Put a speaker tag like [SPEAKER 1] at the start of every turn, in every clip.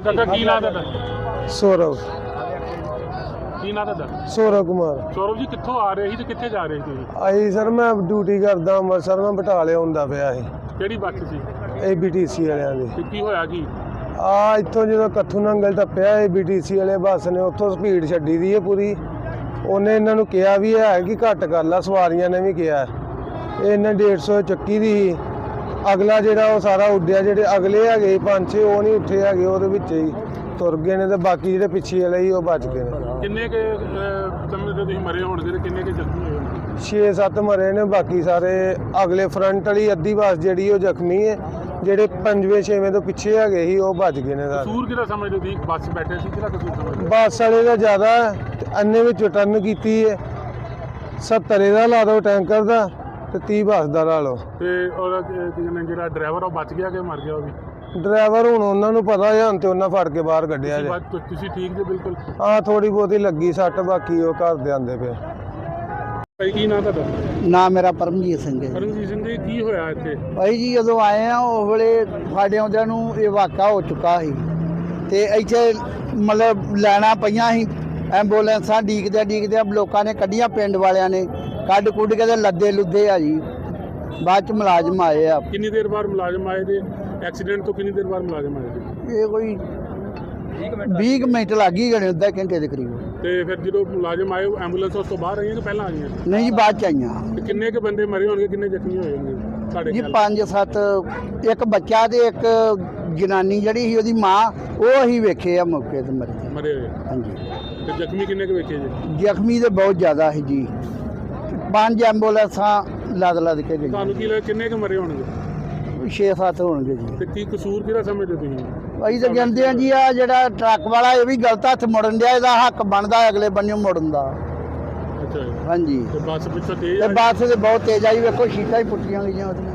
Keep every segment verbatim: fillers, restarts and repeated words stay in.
[SPEAKER 1] ਚਾਚਾ ਕੀ ਨਾਂ ਤੁਹਾਡਾ?
[SPEAKER 2] ਸੌਰਵ
[SPEAKER 1] ਕੀ ਨਾਂ ਤੁਹਾਡਾ?
[SPEAKER 2] ਸੌਰਵ ਕੁਮਾਰ।
[SPEAKER 1] ਸੌਰਵ ਜੀ ਕਿੱਥੋਂ ਆ ਰਹੇ ਸੀ ਤੇ ਕਿੱਥੇ ਜਾ ਰਹੇ ਸੀ ਤੁਸੀਂ?
[SPEAKER 2] ਆਈ ਸਰ ਮੈਂ ਡਿਊਟੀ ਕਰਦਾ ਅੰਮ੍ਰਿਤਸਰ, ਮੈਂ ਬਟਾਲੇ ਹੁੰਦਾ ਪਿਆ ਸੀ
[SPEAKER 1] ਕਿਹੜੀ ਬੱਸ ਸੀ
[SPEAKER 2] ਏ ਬੀ ਟੀ ਸੀ ਵਾਲਿਆਂ ਦੀ।
[SPEAKER 1] ਤੇ ਕੀ ਹੋਇਆ ਕੀ?
[SPEAKER 2] ਆ ਇੱਥੋਂ ਜਦੋਂ ਕੱਥੂ ਨੰਗਲ ਟੱਪਿਆ ਏ ਬੀ ਟੀ ਸੀ ਵਾਲੇ ਬੱਸ ਨੇ ਉੱਥੋਂ ਸਪੀਡ ਛੱਡੀ ਦੀ ਹੈ ਪੂਰੀ। ਉਹਨੇ ਇਹਨਾਂ ਨੂੰ ਕਿਹਾ ਵੀ ਹੈ ਕਿ ਘੱਟ ਕਰ ਲਾ, ਸਵਾਰੀਆਂ ਨੇ ਵੀ ਕਿਹਾ। ਇਹ ਇਹਨੇ ਡੇਢ ਸੌ ਚੱਕੀ ਦੀ ਸੀ। ਅਗਲਾ ਜਿਹੜਾ ਉਹ ਸਾਰਾ ਉੱਡਿਆ, ਜਿਹੜੇ ਅਗਲੇ ਹੈਗੇ ਪੰਜ ਛੇ ਉਹ ਨਹੀਂ ਉੱਠੇ ਹੈਗੇ, ਉਹਦੇ ਵਿੱਚ ਹੀ ਤੁਰ ਗਏ ਨੇ ਤੇ ਬਾਕੀ ਜਿਹੜੇ ਪਿੱਛੇ ਵਾਲੇ ਸੀ ਉਹ ਬਚ ਗਏ ਨੇ।
[SPEAKER 1] ਕਿੰਨੇ ਕੇ ਸਮੇਂ ਤੇ ਤੁਸੀਂ ਮਰੇ ਹੋਣਗੇ ਤੇ ਕਿੰਨੇ ਕੇ ਜ਼ਖਮੀ ਹੋਏ?
[SPEAKER 2] ਛੇ ਸੱਤ ਮਰੇ ਨੇ, ਬਾਕੀ ਸਾਰੇ ਅਗਲੇ ਫਰੰਟ ਵਾਲੀ ਅੱਧੀ ਬੱਸ ਜਿਹੜੀ ਉਹ ਜ਼ਖਮੀ ਹੈ। ਜਿਹੜੇ ਪੰਜਵੇਂ ਛੇਵੇਂ ਤੋਂ ਪਿੱਛੇ ਹੈਗੇ ਸੀ ਉਹ ਬਚ ਗਏ ਨੇ ਸਾਰੇ।
[SPEAKER 1] ਕਸੂਰ ਕਿਹਦਾ ਸਮਝਦੇ ਤੁਸੀਂ? ਬੱਸ ਬੈਠੇ ਸੀ, ਕਿਹਦਾ ਕਸੂਰ ਸਮਝਦੇ?
[SPEAKER 2] ਬੱਸ ਵਾਲੇ ਦਾ ਜ਼ਿਆਦਾ ਹੈ ਤੇ ਅੰਨੇ ਵਿੱਚ ਟਰਨ ਕੀਤੀ ਹੈ। ਸੱਤਰ ਇਹਦਾ ਲਾ ਦਿਓ ਟੈਂਕਰ ਦਾ ਤੇ ਤੀਹ ਬੱਸ ਦਾ ਲਾ ਲਓ।
[SPEAKER 1] ਤੇ ਔਰ ਜਿਹੜਾ ਡਰਾਈਵਰ ਉਹ ਬਚ ਗਿਆ ਕਿ ਮਰ ਗਿਆ? ਉਹ ਵੀ
[SPEAKER 2] ਡਰਾਈਵਰ ਹੁਣ ਉਹਨਾਂ ਨੂੰ ਪਤਾ ਹੈ, ਹੁਣ ਤੇ ਉਹਨਾਂ ਫੜ ਕੇ ਬਾਹਰ ਕੱਢਿਆ ਜੇ।
[SPEAKER 1] ਤੁਸੀਂ ਠੀਕ ਜੇ ਬਿਲਕੁਲ?
[SPEAKER 2] ਹਾਂ ਥੋੜੀ ਬਹੁਤੀ ਲੱਗੀ ਸੱਟ, ਬਾਕੀ ਉਹ ਘਰ ਦੇ ਆਂਦੇ ਪਏ।
[SPEAKER 1] ਭਾਈ ਕੀ ਨਾਂ ਤੁਹਾਡਾ?
[SPEAKER 3] ਨਾਮ ਮੇਰਾ ਪਰਮਜੀਤ ਸਿੰਘ ਹੈ।
[SPEAKER 1] ਪਰਮਜੀਤ ਸਿੰਘ ਜੀ ਕੀ ਹੋਇਆ ਇੱਥੇ?
[SPEAKER 3] ਭਾਈ ਜੀ ਜਦੋਂ ਆਏ ਆ ਉਸ ਵੇਲੇ ਸਾਡੇ ਆਉਂਦਿਆਂ ਨੂੰ ਇਹ ਵਾਕਾ ਹੋ ਚੁੱਕਾ ਸੀ ਤੇ ਇੱਥੇ ਮਤਲਬ ਲੈਣਾ ਪਈਆਂ ਸੀ, ਐਂਬੂਲੈਂਸਾਂ ਡੀਕਦੇ ਡੀਕਦੇ ਲੋਕਾਂ ਨੇ ਕੱਢੀਆਂ, ਪਿੰਡ ਵਾਲਿਆਂ ਨੇ ਕੱਢ ਕੁੱਢ ਕੇ ਤੇ ਲੱਦੇ ਲੁੱਦੇ ਆ ਜੀ। ਬਾਅਦ ਚ ਮੁਲਾਜ਼ਮ ਆਏ ਆ।
[SPEAKER 1] ਕਿੰਨੀ ਦੇਰ ਬਾਅਦ ਮੁਲਾਜ਼ਮ ਆਏ ਤੇ ਐਕਸੀਡੈਂਟ ਤੋਂ ਕਿੰਨੀ ਦੇਰ ਬਾਅਦ ਮੁਲਾਜ਼ਮ ਆਏ?
[SPEAKER 3] ਇਹ ਕੋਈ ਵੀਹ ਮਿੰਟ ਲੱਗ ਹੀ ਗਏ, ਅੱਧਾ ਘੰਟੇ ਦੇ ਕਰੀਬ।
[SPEAKER 1] ਤੇ ਫਿਰ ਜਦੋਂ ਮੁਲਾਜ਼ਮ ਆਏ ਐਂਬੂਲੈਂਸ ਉਸ ਤੋਂ ਬਾਹਰ ਆਈਆਂ ਕਿ ਪਹਿਲਾਂ ਆਈਆਂ?
[SPEAKER 3] ਨਹੀਂ ਜੀ ਬਾਅਦ ਚ ਆਈਆਂ।
[SPEAKER 1] ਤੇ ਕਿੰਨੇ ਕੁ ਬੰਦੇ ਮਰੇ ਹੋਣਗੇ, ਕਿੰਨੇ ਜ਼ਖਮੀ ਹੋਏ ਹੋਣਗੇ ਸਾਡੇ
[SPEAKER 3] ਜੀ
[SPEAKER 1] ਖਿਆਲ?
[SPEAKER 3] ਪੰਜ ਸੱਤ, ਇੱਕ ਬੱਚਾ ਤੇ ਇੱਕ ਜਨਾਨੀ ਜਿਹੜੀ ਸੀ ਉਹਦੀ ਮਾਂ, ਉਹ ਅਸੀਂ ਵੇਖੇ ਆ ਮੌਕੇ ਤੇ ਮਰੇ
[SPEAKER 1] ਮਰੇ ਹੋਏ।
[SPEAKER 3] ਹਾਂਜੀ।
[SPEAKER 1] ਤੇ ਜ਼ਖਮੀ ਕਿੰਨੇ ਕੁ ਵੇਖੇ ਜੀ?
[SPEAKER 3] ਜ਼ਖਮੀ ਤੇ ਬਹੁਤ ਜ਼ਿਆਦਾ ਸੀ ਜੀ, ਪੰਜ ਐਂਬੂਲੈਂਸਾਂ ਲੱਦ ਲੱਦ ਕੇ ਗਈਆਂ।
[SPEAKER 1] ਤੁਹਾਨੂੰ ਕੀ ਲੱਗਦਾ ਕਿੰਨੇ ਕੁ ਮਰੇ ਹੋਣਗੇ?
[SPEAKER 3] ਛੇ ਸੱਤ ਹੋਣਗੇ ਜੀ।
[SPEAKER 1] ਤੇ ਕੀ ਕਸੂਰ ਕਿਹਦਾ ਸਮਝਦੇ ਤੁਸੀਂ?
[SPEAKER 3] ਅਸੀਂ ਤਾਂ ਕਹਿੰਦੇ ਆ ਜੀ ਆ ਜਿਹੜਾ ਟਰੱਕ ਵਾਲਾ ਇਹ ਵੀ ਗਲਤ ਹੱਥ ਮੁੜਨ ਡਿਆ, ਇਹਦਾ ਹੱਕ ਬਣਦਾ ਅਗਲੇ ਬੰਨਿਓ ਮੁੜਨ ਦਾ।
[SPEAKER 1] ਅੱਛਾ ਜੀ।
[SPEAKER 3] ਹਾਂਜੀ।
[SPEAKER 1] ਤੇ ਬੱਸ ਪਿੱਛੋਂ ਤੇਜ਼
[SPEAKER 3] ਤੇ
[SPEAKER 1] ਆਈ?
[SPEAKER 3] ਬੱਸ ਤੇ ਬਹੁਤ ਤੇਜ਼ ਆਈ, ਵੇਖੋ ਸ਼ੀਟਾਂ ਹੀ ਪੁੱਟੀਆਂ ਗਈਆਂ ਉਹਦੀਆਂ।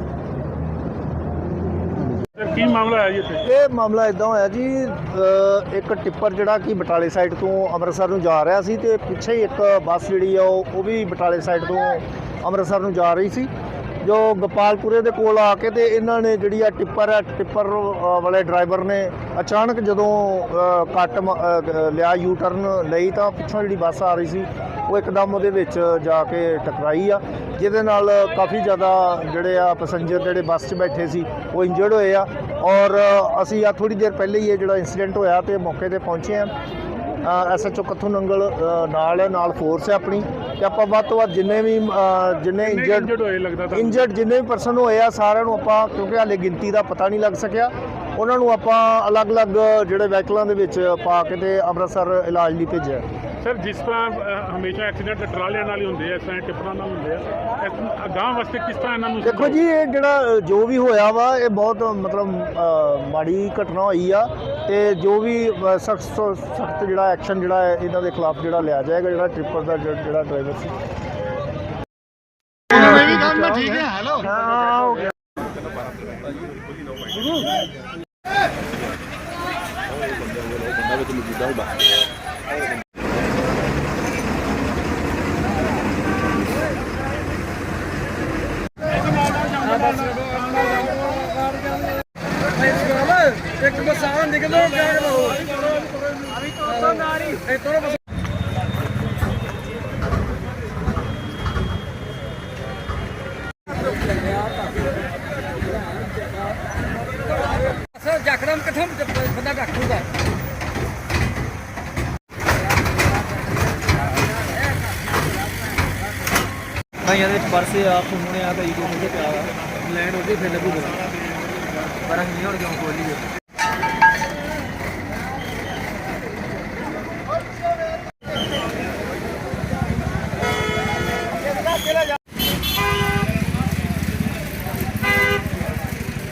[SPEAKER 1] ਸਰ ਕੀ ਮਾਮਲਾ ਹੈ ਜੀ ਇੱਥੇ?
[SPEAKER 4] ਇਹ ਮਾਮਲਾ ਇਦਾਂ ਹੋਇਆ ਜੀ, ਅ, ਇੱਕ ਟਿੱਪਰ ਜਿਹੜਾ ਕਿ ਬਟਾਲੇ ਸਾਈਡ ਤੋਂ ਅੰਮ੍ਰਿਤਸਰ ਨੂੰ ਜਾ ਰਿਹਾ ਸੀ ਤੇ ਪਿੱਛੇ ਹੀ ਇੱਕ ਬੱਸ ਜਿਹੜੀ ਆ ਉਹ ਉਹ ਵੀ ਬਟਾਲੇ ਸਾਈਡ ਤੋਂ ਅੰਮ੍ਰਿਤਸਰ ਨੂੰ ਜਾ ਰਹੀ ਸੀ। ਜੋ ਗੋਪਾਲਪੁਰੇ ਦੇ ਕੋਲ ਆ ਕੇ ਤੇ ਇਹਨਾਂ ਨੇ ਜਿਹੜੀ ਆ ਟਿੱਪਰ ਆ ਟਿੱਪਰ ਅ, ਵਾਲੇ ਡਰਾਈਵਰ ਨੇ ਅਚਾਨਕ ਜਦੋਂ ਅ, ਕੱਟ ਮ- ਅ, ਲਿਆ, ਯੂ ਟਰਨ ਲਈ, ਤਾਂ ਪਿੱਛੋਂ ਜਿਹੜੀ ਬੱਸ ਆ ਰਹੀ ਸੀ ਉਹ ਇੱਕਦਮ ਉਹਦੇ ਵਿੱਚ ਜਾ ਕੇ ਟਕਰਾਈ ਆ, ਜਿਹਦੇ ਨਾਲ ਕਾਫੀ ਜ਼ਿਆਦਾ ਜਿਹੜੇ ਆ ਪੈਸੇਂਜਰ ਜਿਹੜੇ ਬੱਸ 'ਚ ਬੈਠੇ ਸੀ ਉਹ ਇੰਜਰਡ ਹੋਏ ਆ। ਔਰ ਅਸੀਂ ਆ ਥੋੜੀ ਦੇਰ ਪਹਿਲੇ ਹੀ ਇਹ ਜਿਹੜਾ ਇੰਸੀਡੈਂਟ ਹੋਇਆ ਤੇ ਮੌਕੇ ਤੇ ਪਹੁੰਚੇ ਆ। S H O Kathu Nangal ਅ, ਨਾਲ ਹੈ, ਨਾਲ ਫੋਰਸ ਹੈ ਆਪਣੀ, ਤੇ ਆਪਾਂ ਵੱਧ ਤੋਂ ਵੱਧ ਜਿੰਨੇ ਵੀ ਅ, ਜਿੰਨੇ ਇੰਜਰਡ
[SPEAKER 1] ਹੋਏ ਲੱਗਦਾ ਤੁਹਾਨੂੰ?
[SPEAKER 4] ਇੰਜਰਡ ਜਿੰਨੇ ਵੀ ਪਰਸਨ ਹੋਏ ਆ ਸਾਰਿਆਂ ਨੂੰ ਆਪਾਂ, ਕਿਉਂਕਿ ਹਾਲੇ ਗਿਣਤੀ ਦਾ ਪਤਾ ਨਹੀਂ ਲੱਗ ਸਕਿਆ, ਉਹਨਾਂ ਨੂੰ ਆਪਾਂ ਅਲੱਗ-ਅਲੱਗ ਜਿਹੜੇ ਵਹੀਕਲਾਂ ਦੇ ਵਿੱਚ ਪਾ ਕੇ ਤੇ ਅੰਮ੍ਰਿਤਸਰ ਇਲਾਜ ਲਈ ਭੇਜਿਆ।
[SPEAKER 1] ਸਰ ਜਿਸ ਤਰ੍ਹਾਂ ਅ, ਹਮੇਸ਼ਾ ਐਕਸੀਡੈਂਟ ਟਰਾਲਿਆਂ ਨਾਲ ਹੀ ਹੁੰਦੇ ਆ, ਇਸ ਤਰ੍ਹਾਂ ਟਿੱਪਰਾਂ ਨਾਲ ਹੁੰਦੇ ਆ, ਇਸ ਅਗਾਂਹ ਵਾਸਤੇ ਕਿਸ ਤਰ੍ਹਾਂ ਇਹਨਾਂ ਨੂੰ?
[SPEAKER 4] ਦੇਖੋ ਜੀ, ਇਹ ਜਿਹੜਾ ਜੋ ਵੀ ਹੋਇਆ ਵਾ ਇਹ ਬਹੁਤ ਮਤਲਬ ਅ, ਮਾੜੀ ਘਟਨਾ ਹੋਈ ਆ, ਤੇ ਜੋ ਵੀ ਸਖਤ ਸਖਤ ਜਿਹੜਾ ਐਕਸ਼ਨ ਜਿਹੜਾ ਹੈ ਇਹਨਾਂ ਦੇ ਖਿਲਾਫ ਜਿਹੜਾ ਲਿਆ ਜਾਏਗਾ, ਜਿਹੜਾ ਟ੍ਰਿਪਰ ਦਾ ਜਿਹੜਾ ਡਰਾਈਵਰ ਸੀ।
[SPEAKER 1] ਠੀਕ ਹੈ। ਹੈਲੋ
[SPEAKER 4] ਹਾਂ ਹੋ ਗਿਆ।
[SPEAKER 2] ਇੱਕ ਬਸਾਂ ਨਿਕਲੋ ਕਿਆ ਕਰੋ ਅਭੀ ਤੋਂ ਨਾਰੀ ਇਹ ਤੋਂ ਬਸ ਸਰ ਜਕਰਮ ਕਿੱਥੋਂ ਬੰਦਾ ਡਾਕੂਗਾ।
[SPEAKER 5] ਕਈਆਂ ਦੇ ਵਿੱਚ ਪਰਸੇ ਆ, ਫੋਨ ਆ, ਕਈ ਕੋਲ ਪਿਆ ਵਾ, ਲੈਂਡ ਹੋ ਗਈ ਫਿਰ ਲੱਗੂਗਾ, ਪਰ ਅਸੀਂ ਨਹੀਂ ਹੁਣ ਕਿਉਂ ਖੋਲੀ।